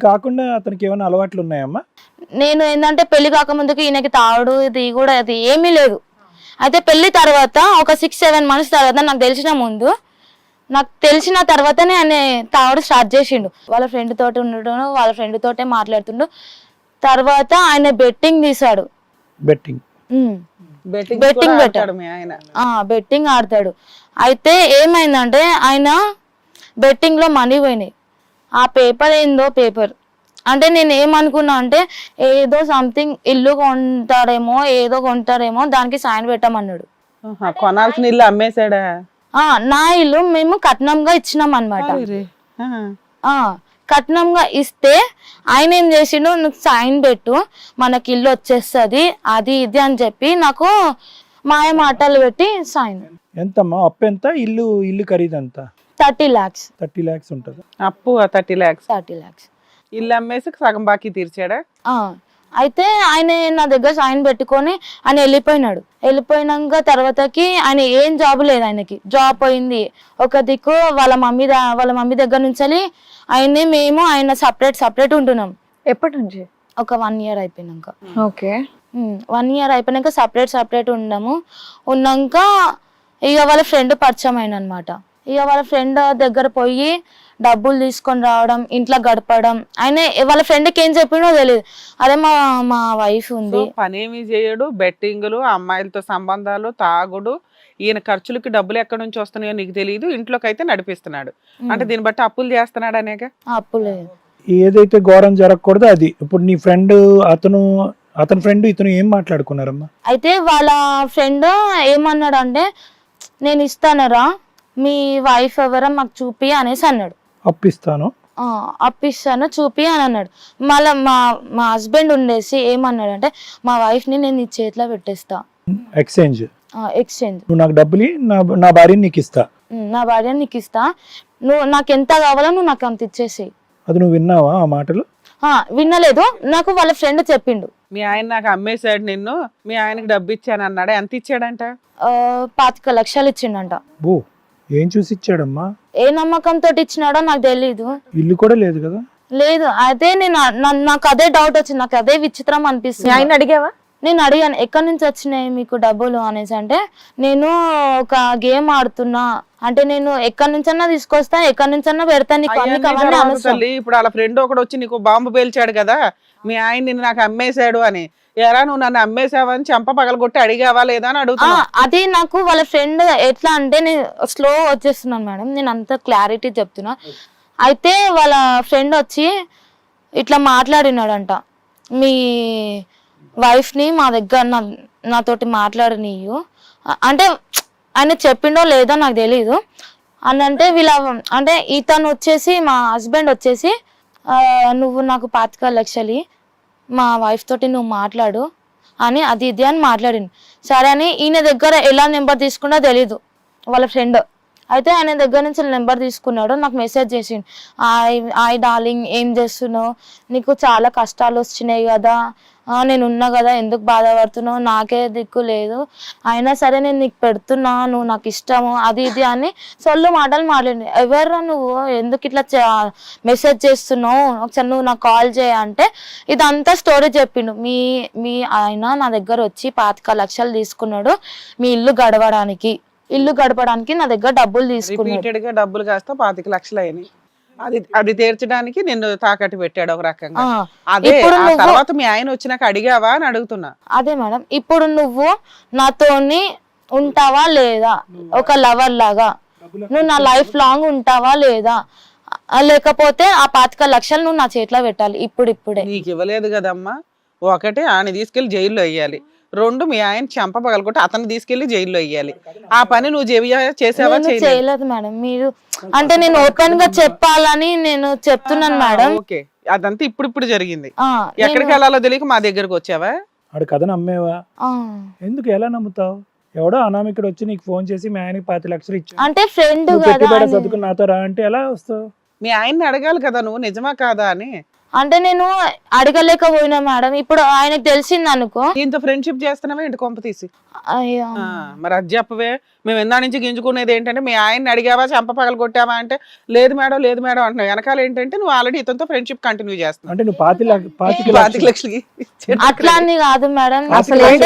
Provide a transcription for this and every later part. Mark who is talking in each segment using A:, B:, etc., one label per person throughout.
A: కాకుండా అతనికి ఏమైనా అలవాట్లు ఉన్నాయమ్మా?
B: నేను ఏంటంటే పెళ్లి కాకముందుకు ఈయనకి తాగుడు ఇది కూడా అది ఏమీ లేదు. అయితే పెళ్లి తర్వాత ఒక 6-7 మంత్స్ తర్వాత నాకు తెలిసిన తర్వాతనే ఆయన తాగుడు స్టార్ట్ చేసిండు. వాళ్ళ ఫ్రెండ్ తోటి ఉండడం, వాళ్ళ ఫ్రెండ్ తోటే మాట్లాడుతుండు. తర్వాత ఆయన బెట్టింగ్ తీసాడు.
A: బెట్టింగ్
B: బెట్టింగ్ ఆడతాడు. అయితే ఏమైందంటే ఆయన బెట్టింగ్ లో మనీ పోయినాయి. ఆ పేపర్ ఏందో పేపర్ అంటే నేను ఏమనుకున్నా అంటే ఏదో సంథింగ్ ఇల్లు కొంటాడేమో దానికి సైన్ పెట్టమన్నాడు.
C: కొనాల్సిన ఇల్లు అమ్మేశాడా?
B: నా ఇల్లు మేము కట్నంగా ఇచ్చినాం అనమాట. కట్నంగా ఇస్తే ఆయన ఏం చేసిండు, నువ్వు సైన్ పెట్టు మనకి ఇల్లు వచ్చేస్తుంది అది ఇది అని చెప్పి నాకు మాయ మాటలు పెట్టి సైన్.
A: ఎంతమ్మా అప్పు? ఎంత ఇల్లు ఖరీదు ఎంత?
B: 30 lakhs.
A: 30 lakhs ఉంటుంది
C: అప్పు. 30 lakhs. ఇల్లు అమ్మేసి సగం బాకీ తీర్చాడా?
B: అయితే ఆయన నా దగ్గర సైన్ పెట్టుకొని ఆయన వెళ్ళిపోయినాక తర్వాతకి ఆయన ఏం జాబ్ లేదు, ఆయనకి జాబ్ పోయింది. ఒక దిక్కు వాళ్ళ మమ్మీ దగ్గర నుంచి ఆయన సపరేట్ ఉంటున్నాం.
D: ఎప్పటి నుంచి?
B: ఒక 1 year అయిపోయినాక.
D: ఓకే.
B: 1 year అయిపోయినాక సపరేట్ ఉన్నాక ఇక వాళ్ళ ఫ్రెండ్ పరిచయం అయిన అనమాట. ఇక వాళ్ళ ఫ్రెండ్ దగ్గర పోయి డబ్బులు తీసుకొని రావడం, ఇంట్లో గడపడం. ఆయన వాళ్ళ ఫ్రెండ్కి ఏం చెప్పిండో తెలియదు. అదే మా వైఫ్ ఉంది,
C: పనేమి చేయడు, బెట్టింగులు, అమ్మాయిలతో సంబంధాలు, తాగుడు, ఈయన ఖర్చులకి డబ్బులు ఎక్కడి నుంచి వస్తున్నాయో నీకు తెలియదు, ఇంట్లోకి అయితే నడిపిస్తున్నాడు. అంటే దీన్ని బట్టి అప్పులు చేస్తున్నాడు అనేక.
B: అప్పులే
A: ఏదైతే ఘోరం జరగకూడదు అది. ఇప్పుడు నీ ఫ్రెండ్ అతని ఫ్రెండ్ ఇతను ఏం మాట్లాడుకున్నారమ్మా?
B: అయితే వాళ్ళ ఫ్రెండ్ ఏమన్నాడు అంటే నేను ఇస్తానరా మీ వైఫ్ ఎవరో మాకు చూపి అనేసి అన్నాడు. అప్పిస్తాను చూపి అని అన్నాడు. మళ్ళీ మా హస్బెండ్ ఉండేసి ఏమన్నాడు అంటే మా వైఫ్ ని నేను నీ చేతిలో పెట్టేస్తా,
A: ఎక్స్చేంజ్.
B: నువ్వు
A: నాకు డబ్బులు నా భార్యని నీకు ఇస్తా,
B: నువ్వు నాకు ఎంత కావాలో నువ్వు నాకు అంత ఇచ్చేసేయి.
A: అది నువ్వు విన్నావా ఆ మాటలు?
B: వినలేదు, నాకు వాళ్ళ ఫ్రెండ్ చెప్పిండు.
C: మీ ఆయన నాకు అమ్మేశాడు నిన్ను, మీ ఆయనకి డబ్బు ఇచ్చాను అన్నాడు. ఎంత ఇచ్చాడంట?
B: 25 లక్షలు ఇచ్చిండంట.
A: ఏం చూసి ఇచ్చాడమ్మా?
B: ఏ నమ్మకంతో ఇచ్చినాడో నాకు తెలీదు.
A: ఇల్లు కూడా లేదు కదా?
B: లేదు. అదే నాకు అదే డౌట్ వచ్చింది, నాకు అదే విచిత్రం అనిపిస్తుంది.
D: ఆయన అడిగావా?
B: నేను అడిగాను ఎక్కడి నుంచి వచ్చినాయి మీకు డబ్బులు అనేసి. అంటే నేను ఒక గేమ్ ఆడుతున్నా, అంటే నేను ఎక్కడి నుంచన్నా తీసుకొస్తా, ఎక్కడి నుంచన్నా పెడతాను.
C: ఇప్పుడు వాళ్ళ ఫ్రెండ్ ఒకడు వచ్చి నీకు బాంబు పేల్చాడు కదా, మీ ఆయన నిన్ను నాకు అమ్మేశాడు అని. ఎరా నువ్వు నన్ను అమ్మేసావని చెంప పగలగొట్టి అడిగావా లేదా అని అడుగుతున్నా.
B: అది నాకు వాళ్ళ ఫ్రెండ్ ఎట్లా అంటే నేను స్లో వచ్చేస్తున్నాను మేడం, నేను అంత క్లారిటీ చెప్తున్నా. అయితే వాళ్ళ ఫ్రెండ్ వచ్చి ఇట్లా మాట్లాడినాడంట, మీ వైఫ్ ని మా దగ్గర నాతోటి మాట్లాడనీయు అంటే ఆయన చెప్పిండో లేదో నాకు తెలీదు అని. అంటే అంటే ఇతను వచ్చేసి మా హస్బెండ్ వచ్చేసి నువ్వు నాకు 25 లక్షలు మా వైఫ్ తోటి నువ్వు మాట్లాడు అని అది ఇది అని మాట్లాడింది. సరే అని ఈయన దగ్గర ఎలా నెంబర్ తీసుకున్నా తెలీదు వాళ్ళ ఫ్రెండ్. అయితే ఆయన దగ్గర నుంచి నెంబర్ తీసుకున్నాడు, నాకు మెసేజ్ చేసిండు, హాయ్ డార్లింగ్ ఏం చేస్తున్నావు, నీకు చాలా కష్టాలు వచ్చినాయి కదా, నేను ఉన్నా కదా, ఎందుకు బాధపడుతున్నావు, నాకే దిక్కు లేదు, అయినా సరే నేను నీకు పెడుతున్నా, నువ్వు నాకు ఇష్టము అది ఇది అని సొల్లు మాటలు మాట్లాడి. ఎవర్రా నువ్వు, ఎందుకు ఇట్లా మెసేజ్ చేస్తున్నావు, ఒకసారి నువ్వు నాకు కాల్ చేయ అంటే ఇదంతా స్టోరీ చెప్పిండు. మీ ఆయన నా దగ్గర వచ్చి 25 లక్షలు తీసుకున్నాడు మీ ఇల్లు గడవడానికి నా దగ్గర డబ్బులు తీసుకున్నాడు.
C: డబ్బులు కాస్త 25 లక్షలు అయినాయి. అది తీర్చడానికి నిన్ను తాకట్టు పెట్టాడు ఒక రకంగా. అదే తర్వాత మీ ఆయన వచ్చినాక అడిగావా అని అడుగుతున్నా.
B: అదే మేడం, ఇప్పుడు నువ్వు నాతోని ఉంటావా లేదా, ఒక లవర్ లాగా నువ్వు నా లైఫ్ లాంగ్ ఉంటావా లేదా, లేకపోతే ఆ 25 లక్షలు నువ్వు నా చేతిలో పెట్టాలి ఇప్పుడే.
C: నీకు ఇవ్వలేదు కదమ్మా. ఒకటి ఆయన తీసుకెళ్లి జైల్లో వేయాలి, 2 మీ ఆయన చెంప పగలగొట్టి అతన్ని తీసుకెళ్లి జైల్లో వేయాలి. ఆ పని నువ్వు చేసావా?
B: చేయలేదు మేడం. మీరు అంటే నేను ఓపెన్ గా చెప్పాలని నేను చెప్తున్నాను మేడం.
C: ఓకే, అదంతా ఇప్పుడు జరిగింది. ఎక్కడికి వెళ్ళాలో తెలియక మా దగ్గరకు వచ్చావా?
A: ఆడు కథ నమ్మేవా? ఎందుకు ఎలా నమ్ముతావు? ఎవడో అనామికుడు వచ్చి నీకు ఫోన్ చేసి మీ ఆయనకి 25 లక్షలు ఇచ్చి
B: అంటే ఫ్రెండ్
A: చదువుకుని నాతో రా అంటే ఎలా వస్తావు?
C: మీ ఆయన్ని అడగాలి కదా నువ్వు నిజమా కాదా అని.
B: అంటే నేను అడగలేకపోయినా మేడం. ఇప్పుడు ఆయనకు తెలిసింది అనుకో.
C: దీంతో ఫ్రెండ్షిప్ చేస్తున్నావా ఏంటి కొంప తీసి?
B: అయ్యో
C: మరి అది చెప్పవే. మేము ఎందా నుంచి గింజుకునేది ఏంటంటే మీ ఆయన్ని అడిగావా, చెంప పగలు కొట్టావా అంటే లేదు మేడం అంటున్నావు. వెనకాల ఏంటంటే నువ్వు ఆల్రెడీ ఇతనితో ఫ్రెండ్షిప్ కంటిన్యూ చేస్తున్నావు.
A: అంటే నువ్వు 25
C: 25 లక్షలకి
B: అట్లా అని కాదు మేడం.
D: అసలు
B: అంటే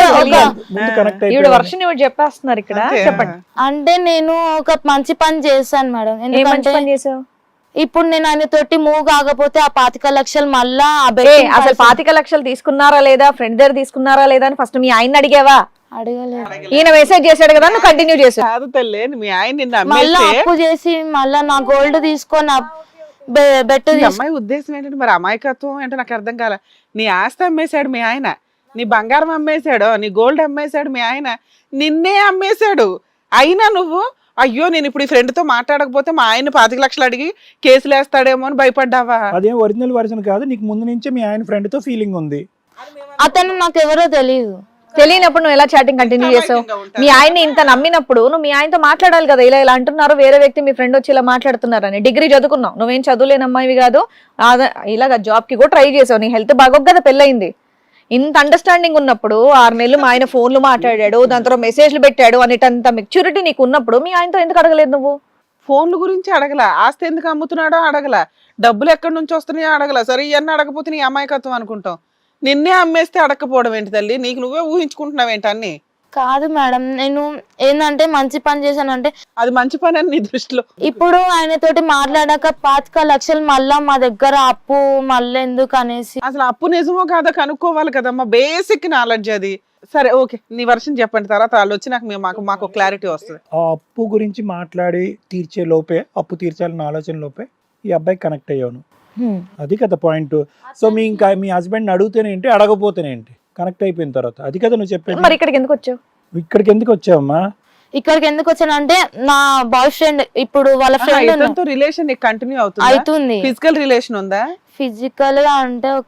D: ఈవిడ వర్షం ఇవి చెప్పేస్తున్నారు ఇక్కడ. చెప్పండి.
B: అంటే నేను ఒక మంచి పని చేశాను మేడం.
D: ఏ మంచి
B: ఎందుకంటే
D: పని చేసావు?
B: ఇప్పుడు నేను ఆయన తోటి మూవ్ కాకపోతే ఆ 25 లక్షలు మళ్ళా
D: అసలు 25 లక్షలు తీసుకున్నారా లేదా, ఫ్రెండ్ దగ్గర తీసుకున్నారా లేదా అని ఫస్ట్ మీ ఆయన అడిగావా?
B: అడగలేదు.
D: ఈయన మెసేజ్ చేశాడు కదా, నువ్వు కంటిన్యూ చేసావు.
C: కాదు తల్లి, మీ ఆయన నిన్ను
B: మళ్ళా
C: అమ్మేస్తే
B: అప్పు చేసి మళ్ళా నా గోల్డ్ తీసుకొని బెట్
C: ఈ అమ్మాయి ఉద్దేశం ఏంటంటే మరి అమాయకత్వం ఏంటో నాకు అర్థం కాల. నీ ఆస్తి అమ్మేశాడు మీ ఆయన, నీ బంగారం అమ్మేశాడు, నీ గోల్డ్ అమ్మేశాడు మీ ఆయన, నిన్నే అమ్మేశాడు. అయినా నువ్వు అయ్యో నేను ఇప్పుడు ఈ ఫ్రెండ్ తో మాట్లాడకపోతే మా ఆయన 25 లక్షలు అడిగి కేసులు వేస్తాడేమో అని భయపడ్డావా?
A: అదేం ఒరిజినల్ వర్షన్ కాదు, నీకు ముందు నుంచే మీ ఆయన ఫ్రెండ్ తో ఫీలింగ్ ఉంది.
B: అతను నాకు ఎవరో తెలియదు.
D: తెలియనప్పుడు నువ్వు ఎలా చాటింగ్ కంటిన్యూ చేసావు? మీ ఆయన్ని ఇంత నమ్మినప్పుడు నువ్వు మీ ఆయనతో మాట్లాడాలి కదా. ఇలా అంటున్నారు, వేరే వ్యక్తి మీ ఫ్రెండ్ వచ్చి ఇలా మాట్లాడుతున్నారు అని. డిగ్రీ చదువుకున్నావు, నువ్వేం చదువులేని అమ్మాయివి కాదు. ఇలాగ జాబ్ కి కూడా ట్రై చేసావు, నీ హెల్త్ బాగోక కదా పెళ్ళయింది. ఇంత అండర్స్టాండింగ్ ఉన్నప్పుడు 6 నెలలు మా ఆయన ఫోన్లు మాట్లాడాడు, దాని తర్వాత మెసేజ్లు పెట్టాడు అనేటంత మెచ్యూరిటీ నీకు ఉన్నప్పుడు మీ ఆయనతో ఎందుకు అడగలేదు నువ్వు?
C: ఫోన్ల గురించి అడగల, ఆస్తి ఎందుకు అమ్ముతున్నాడో అడగల, డబ్బులు ఎక్కడి నుంచి వస్తున్నాయో అడగల. సరే ఇవన్నీ అడగపోతే నీ అమాయకత్వం అనుకుంటాం. నిన్నే అమ్మేస్తే అడగకపోవడం ఏంటి తల్లి? నీకు నువ్వే ఊహించుకుంటున్నావు ఏంటి అన్ని?
B: కాదు మేడం, నేను ఏంటంటే మంచి పని చేశానంటే
C: అది మంచి పని అని నీ దృష్టిలో.
B: ఇప్పుడు ఆయన తోటి మాట్లాడాక 25 లక్షలు మళ్ళా మా దగ్గర అప్పు మళ్ళీ ఎందుకు అనేసి.
C: అసలు అప్పు నిజమో కాదో కనుక్కోవాలి కదమ్మా, బేసిక్ నాలెడ్జ్ అది. సరే ఓకే, నీ వర్షన్ చెప్పండి, తర్వాత వాళ్ళు వచ్చి మాకు క్లారిటీ వస్తుంది.
A: ఆ అప్పు గురించి మాట్లాడి తీర్చే లోపే, అప్పు తీర్చాలన్న ఆలోచన లోపే ఈ అబ్బాయి కనెక్ట్ అయ్యాను. అది కదా పాయింట్. సో మీ హస్బెండ్ అడుగుతేనేంటి, అడగపోతేనేంటి, కనెక్ట్ అయిపోయిన తర్వాత అది కదా నువ్వు చెప్పేది.
D: మరి ఇక్కడికి ఎందుకు వచ్చావు?
A: ఇక్కడికి ఎందుకు వచ్చావమ్మా?
B: ఇక్కడికి ఎందుకు వచ్చానంటే నా బాయ్ ఫ్రెండ్ ఇప్పుడు వాళ్ళ ఫ్రెండ్
C: రిలేషన్ కంటిన్యూ
B: అవుతుంది.
C: ఫిజికల్ రిలేషన్ ఉందా?
B: ఫిజికల్ గా అంటే ఒక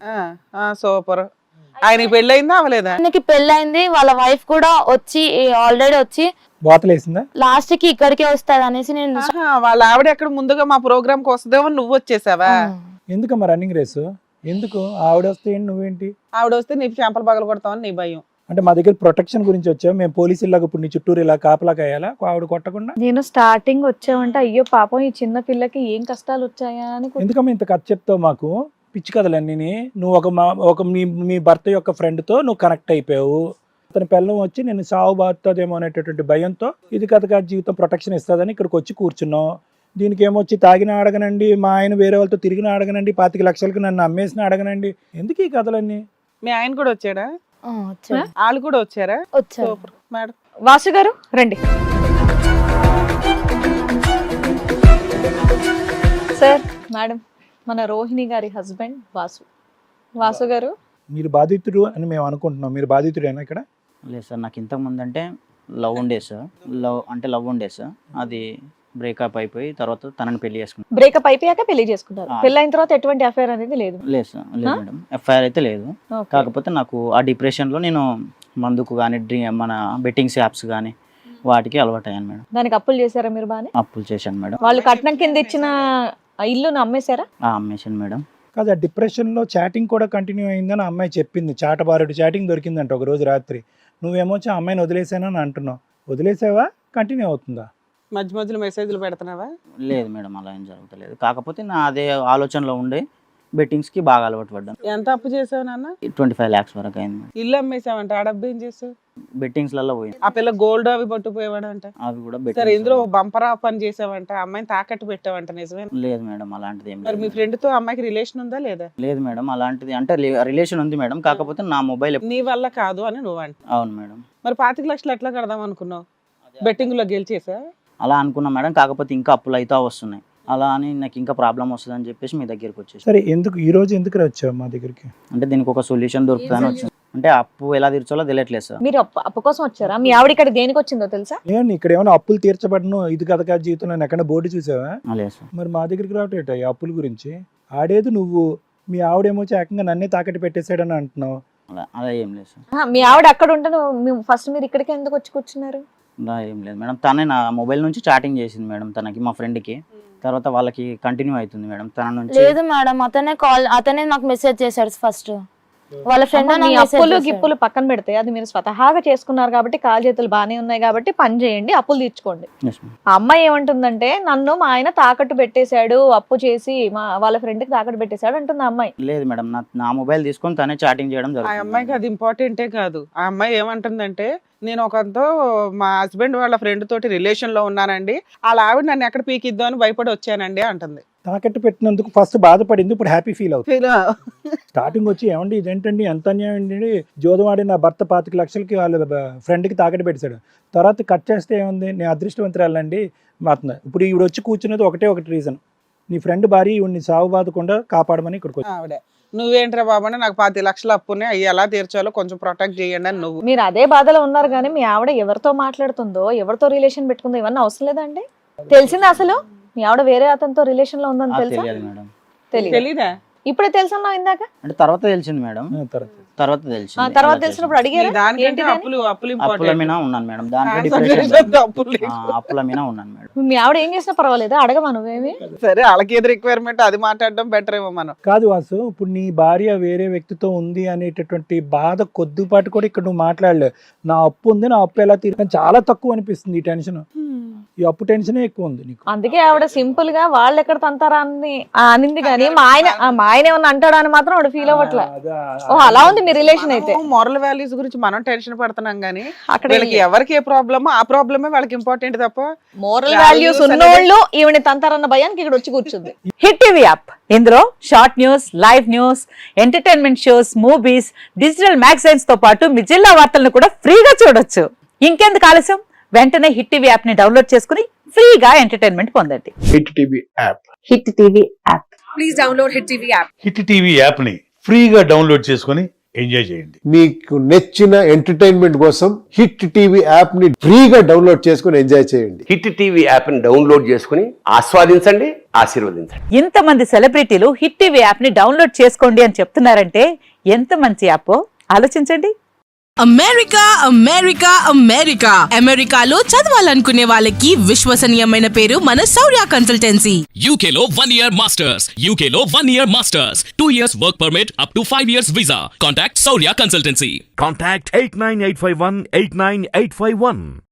C: సూపర్. ఆయనకి పెళ్ళయిందా అవలేదా?
B: ఆయనకి పెళ్ళైంది, వాళ్ళ వైఫ్ కూడా వచ్చి ఆల్రెడీ వచ్చి
A: బాతలేసిందా?
B: లాస్ట్ కి ఇక్కడికే వస్తుంది అనేసి నేను
C: వాళ్ళ ఆవిడ ఎక్కడ ముందుగా మా ప్రోగ్రామ్ కి వస్తుందేమో నువ్వు వచ్చేసావా?
A: ఎందుకమ్మా రన్నింగ్ రేసు? ఎందుకు ఆవిడ వస్తే ఏంటి, నువ్వేంటి?
C: ఆవిడ వస్తే నీ చెంపలు పగలు కొడతామని నీ భయం.
A: అంటే మా దగ్గర ప్రొటెక్షన్ గురించి వచ్చావు, మేము పోలీసులాగా ఇప్పుడు నీ చుట్టూరు ఇలా కాపలా కాయాలా ఆవిడ కొట్టకుండా?
D: నేను స్టార్టింగ్ వచ్చావంటే అయ్యో పాపం ఈ చిన్న పిల్లకి ఏం కష్టాలు వచ్చాయా అని.
A: ఎందుకమ్మా ఇంత కథ చెప్తావు మాకు? పిచ్చి కథలన్నీ. నువ్వు ఒక మీ భర్త యొక్క ఫ్రెండ్తో నువ్వు కనెక్ట్ అయిపోయావు. అతని పిల్లం వచ్చి నేను సాగు బాగుతుందేమో అనేటటువంటి భయంతో ఇది కథ జీవితం ప్రొటెక్షన్ ఇస్తుందని ఇక్కడికి వచ్చి కూర్చున్నావు. దీనికి ఏమొచ్చి తాగిన అడగనండి, మా ఆయన వేరే వాళ్ళతో తిరిగిన అడగనండి, 25 లక్షలకు నన్ను అమ్మేసిన అడగనండి, ఎందుకు ఈ కథలన్నీ?
C: మీ ఆయన కూడా వచ్చాడా? వాళ్ళు కూడా వచ్చారా?
B: వచ్చారు.
C: మేడం
D: వాసు గారు రండి. సార్ మేడం, మన రోహిణి గారి హస్బెండ్ వాసు గారు.
A: మీరు బాధితుడు అని మేము అనుకుంటున్నాం, మీరు బాధితుడేనా ఇక్కడ?
E: లేదు సార్, నాకు ఇంతకు ముందు అంటే లవ్ ఉండే సార్. లవ్ ఉండే సార్, అది బ్రేకప్ అయిపోయి తర్వాత తనని పెళ్లి చేసుకున్నాను.
D: బ్రేకప్ అయిపోయాక పెళ్లి చేసుకున్నారు. పెళ్లి అయిన తర్వాత ఎటువంటి అఫైర్ అనేది లేదు?
E: లేదు సార్, లేదు మేడం, ఎఫ్ఐఆర్ అయితే లేదు. కాకపోతే నాకు ఆ డిప్రెషన్లో నేను మందుకు కానీ మన బెట్టింగ్స్ యాప్స్ కానీ వాటికి అలవాటు అయ్యాను మేడం.
D: దానికి అప్పులు చేశారా మీరు? బాగానే
E: అప్పులు చేశాను మేడం.
D: వాళ్ళు కట్నం కింద ఇచ్చిన ఇల్లును అమ్మేశారా?
E: అమ్మేశాను మేడం.
A: కాదు, ఆ డిప్రెషన్లో చాటింగ్ కూడా కంటిన్యూ అయిందని అమ్మాయి చెప్పింది. చాటబారుడు చాటింగ్ దొరికిందంట ఒక రోజు రాత్రి. నువ్వేమో ఆ అమ్మాయిని వదిలేసానని అంటున్నావు. వదిలేసావా, కంటిన్యూ అవుతుందా?
C: మధ్య మధ్యలో మెసేజ్లు పెడుతున్నావా?
E: లేదు మేడం, అలా ఏం జరుగుతలేదు. కాకపోతే నా అదే ఆలోచనలో ఉండే బెట్టింగ్స్కి బాగా అలవాటు పడ్డాను.
C: ఎంత అప్పు చేసావు నాన్న?
E: 25 lakhs వరకు అయింది.
C: ఇల్లు అమ్మేసావంట, ఆ డబ్బు ఏం చేసావు?
E: బెట్టింగ్స్లలో పోయింది.
C: ఆ పిల్ల గోల్డ్ అవి పట్టుకుపోయేవాడంట.
E: అవి కూడా
C: సరే, ఇందులో బంపరా పని చేసావంట, అమ్మాయిని తాకట్టు పెట్టావంట, నిజమే?
E: లేదు మేడం, అలాంటిది ఏం
C: మరి
E: లేదు.
C: మీ ఫ్రెండ్ తో అమ్మాయికి రిలేషన్ ఉందా లేదా?
E: లేదు మేడం, అలాంటిది అంటే రిలేషన్ ఉంది మేడం, కాకపోతే నా మొబైల్.
C: నీ వల్ల కాదు అని నువ్వు అంట.
E: అవును మేడం.
C: మరి 25 లక్షలు ఎట్లా కడదాం అనుకున్నావు? బెట్టింగ్ లో గెలిచేసా?
E: అలా అనుకున్నా మేడం, కాకపోతే ఇంకా అప్పులు అయితే వస్తున్నాయి. అలా అని నాకు ఇంకా ప్రాబ్లం వస్తుంది అని చెప్పేసి మీ దగ్గరికి వచ్చేసి.
A: సరే, ఈ రోజు ఎందుకు వచ్చావు మా దగ్గరికి?
E: అంటే దీనికి ఒక సొల్యూషన్ దొరుకుతుందని వచ్చింది. అంటే అప్పు ఎలా తీర్చాలో తెలియట్లేదు సార్.
D: మీరు అప్పు కోసం వచ్చారా? మీ ఆవిడ ఇక్కడ దేనికి వచ్చిందో తెలుసా?
A: ఏంటి ఇక్కడ ఏమైనా అప్పులు తీర్చబడను ఇది కథ జీవితంలో ఎక్కడ బోర్డు చూసావా?
E: లేదు సార్.
A: మరి మా దగ్గరికి రావటం ఈ అప్పుల గురించి ఆడేది నువ్వు. మీ ఆవిడేమో ఏకంగా నన్నే తాకట్టు పెట్టేశాడని అంటున్నావు.
E: అలా ఏం లేదు సార్.
D: మీ ఆవిడ అక్కడ ఉంటుంది, ఫస్ట్ మీరు ఇక్కడికి ఎందుకు వచ్చి కూర్చున్నారు?
E: అలా ఏం లేదు మేడం, తనే నా మొబైల్ నుంచి చాటింగ్ చేసింది మేడం తనకి, మా ఫ్రెండ్కి. తర్వాత వాళ్ళకి కంటిన్యూ అవుతుంది మేడం తన నుంచి.
B: లేదు మేడం, అతనే నాకు మెసేజ్ చేశాడు ఫస్ట్. వాళ్ళ ఫ్రెండ్
D: మీ అప్పులు గిప్పులు పక్కన పెడితే అది మీరు స్వతహాగా చేసుకున్నారు కాబట్టి కాలు చేతులు బాగానే ఉన్నాయి కాబట్టి పని చేయండి, అప్పులు తీర్చుకోండి.
E: Yes, ma'am.
D: ఆ అమ్మాయి ఏమంటుందంటే నన్ను మా ఆయన తాకట్టు పెట్టేశాడు, అప్పు చేసి వాళ్ళ ఫ్రెండ్ కి తాకట్టు పెట్టేశాడు అంటుంది ఆ అమ్మాయి.
E: లేదు మేడం, నా మొబైల్ తీసుకొని తనే చాటింగ్ చేయడం
C: ఆ
E: జరుగుతుంది.
C: అమ్మాయికి అది ఇంపార్టెంటే కాదు. ఆ అమ్మాయి ఏమంటుందంటే నేను ఒకరితో మా హస్బెండ్ వాళ్ళ ఫ్రెండ్ తోటి రిలేషన్ లో ఉన్నానండి, వాళ్ళ ఆవిడ నన్ను ఎక్కడ పీకిద్దాం అని భయపడి వచ్చానండి అంటుంది.
A: తాకట్టు పెట్టినందుకు ఫస్ట్ బాధపడింది, ఇప్పుడు హ్యాపీ ఫీల్ అవుతుంది.
C: ఫీల్
A: స్టార్టింగ్ వచ్చి ఏమండి ఇదేంటండి ఎంత అన్యాయం అండి, జోదవాడి నా భర్త 25 లక్షలకి వాళ్ళ ఫ్రెండ్కి తాకట్టు పెట్టాడు. తర్వాత కట్ చేస్తే ఏముంది, నేను అదృష్టవంతురాలండి మాత్రం. ఇప్పుడు ఈవిడ వచ్చి కూర్చున్నది ఒకటి రీజన్, నీ ఫ్రెండ్ భార్య ఈవిడ్ని సాగు బాధకుండా కాపాడమని ఇక్కడికి వచ్చి.
C: ఆవిడ నువ్వేంట్రా బాబు అంటే నాకు 10 లక్షలు అప్పునే అవి ఎలా తీర్చాలో కొంచెం ప్రొటెక్ట్ చేయండి అని నువ్వు.
D: మీరు అదే బాధలో ఉన్నారు కానీ మీ ఆవిడ ఎవరితో మాట్లాడుతుందో ఎవరితో రిలేషన్ పెట్టుకుందో ఇవన్నీ అవసరం లేదండి. తెలిసిందా అసలు మీ ఆవిడ వేరే అతనితో రిలేషన్ లో ఉందని తెలుసా?
E: తెలియదు మేడం.
D: తెలియదు.
C: తెలీదా?
D: ఇప్పుడే తెలుసా ఇందాక?
E: అంటే తర్వాత తెలిసింది మేడం, తర్వాత తెలిసింది.
D: తర్వాత తెలిసినప్పుడు అడిగారు
C: దానికంటే అప్పులు
E: అప్పుల
C: ఇంపార్టెంట్.
E: మీద ఉన్నాను మేడం, దాంట్లో అప్పుల మీద ఉన్నాను మేడం.
D: మీ ఆవిడ ఏం చేసినా పర్వాలేదా, అడగమా నువ్వేమి?
C: సరే వాళ్ళకి ఏది రిక్వైర్మెంట్ అది మాట్లాడడం బెటర్ ఏమో మనం.
A: కాదు వాసు, ఇప్పుడు నీ భార్య వేరే వ్యక్తితో ఉంది అనేటటువంటి బాధ కొద్దిపాటు కూడా ఇక్కడ నువ్వు మాట్లాడలేవు. నా అప్పు ఉంది, నా అప్పు ఎలా తీరు చాలా తక్కువ అనిపిస్తుంది ఈ టెన్షన్. ఈ అప్పు టెన్షనే ఎక్కువ ఉంది నీకు.
D: అందుకే ఆవిడ సింపుల్ గా వాళ్ళు ఎక్కడ తంతారా అని అనింది కానీ మా ఆయన ఏమన్నా అంటాడా అని మాత్రం ఆవిడ ఫీల్ అవ్వట్లే. ఓ అలా ఉంది మీ రిలేషన్ అయితే.
C: మోరల్ వాల్యూస్ గురించి మనం టెన్షన్ పడుతున్నాం గానీ
D: అక్కడ
C: వీళ్ళకి ఎవరికి ఏ ప్రాబ్లమో ఆ ప్రాబ్లమే వాళ్ళకి ఇంపార్టెంట్ తప్ప
D: మోరల్ వాల్యూస్ ఉన్నోళ్ళు ఈవిని తంతారన్న భయానికి ఇక్కడ వచ్చి కూర్చుంది.
F: హిట్ టీవీ యాప్, ఇందులో short news, live news, entertainment shows, movies, digital magazines తో పాటు మీ జిల్లా వార్తలను కూడా ఫ్రీగా చూడొచ్చు. ఇంకెందుకు ఆలస్యం, వెంటనే హిట్ టీవీ యాప్ ని డౌన్లోడ్ చేసుకుని ఫ్రీగా ఎంటర్టైన్మెంట్ పొందండి.
G: Hit TV app.
F: Hit TV app.
H: Please download hit TV app.
I: Hit TV app ని ఫ్రీగా డౌన్లోడ్ చేసుకొని ఎంజాయ్ చేయండి.
G: మీకు నచ్చిన ఎంటర్టైన్మెంట్ కోసం హిట్ టీవీ యాప్ ని ఫ్రీగా డౌన్లోడ్ చేసుకొని ఎంజాయ్ చేయండి.
J: హిట్ టీవీ యాప్ ని డౌన్లోడ్ చేసుకుని ఆస్వాదించండి, ఆశీర్వదించండి.
F: ఇంతమంది సెలబ్రిటీలు హిట్ టీవీ యాప్ ని డౌన్లోడ్ చేసుకోండి అని చెప్తున్నారంటే ఎంత మంచి యాప్ ఆలోచించండి.
H: అమెరికా అమెరికా అమెరికా అమెరికాలో చదవాలనుకునే వాళ్ళకి విశ్వసనీయమైన పేరు మన శౌర్య కన్సల్టెన్సీ.
K: UK లో 1 year masters, UK లో 1 year masters, 2 years work permit up to 5 years visa. Contact Saurya Consultancy.
L: Contact 89851 89851.